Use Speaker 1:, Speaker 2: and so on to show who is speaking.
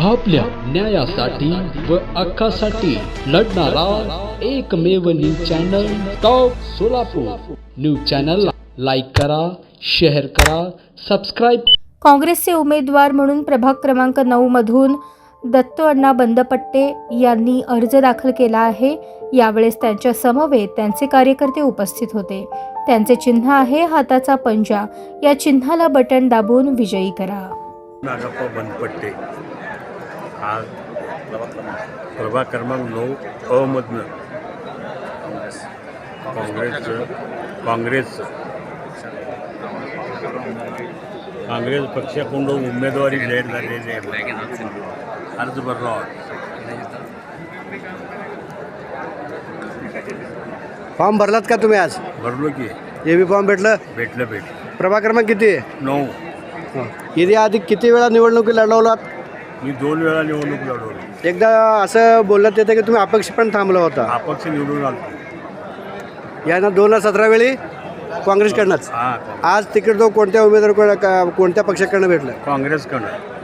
Speaker 1: आपल्या न्यायासाठी व हक्कासाठी लढणारा एकमेव news channel top Solapur. News चॅनलला लाईक करा, शेअर करा, सबस्क्राईब।
Speaker 2: काँग्रेसचे उमेदवार म्हणून प्रभाग क्रमांक 9 मधून दत्तू अण्णा बंदपट्टे यांनी अर्ज दाखल केला आहे। यावेळेस त्यांच्या समवेत त्यांचे कार्यकर्ते उपस्थित होते। त्यांचे चिन्ह आहे हाताचा पंजा। या चिन्हाला बटन दाबून विजयी करा।
Speaker 3: नागप्पा बंदपट्टे आज प्रभाग क्रमांक 9 अ मधनं काँग्रेस पक्षाकडून उमेदवारी जाहीर झालेली आहे। अर्ज भरला
Speaker 4: फॉर्म भरलात का तुम्ही? आज
Speaker 3: भरलो की
Speaker 4: हे बी फॉर्म भेटलं?
Speaker 3: भेटलं
Speaker 4: प्रभाग क्रमांक किती आहे?
Speaker 3: 9।
Speaker 4: यादी आधी किती वेळा निवडणुकी लढवलात?
Speaker 3: मी 2 वेळा निवडणूक लढवली।
Speaker 4: एकदा असं बोलण्यात येतं की तुम्ही अपक्ष पण थांबला होता।
Speaker 3: अपक्ष निवडून आलो
Speaker 4: यांना 2017 वेळी काँग्रेसकडनंच।
Speaker 3: हां,
Speaker 4: आज तिकीट तो कोणत्या उमेदवार कोणत्या पक्षाकडनं भेटलं?
Speaker 3: काँग्रेसकडनं।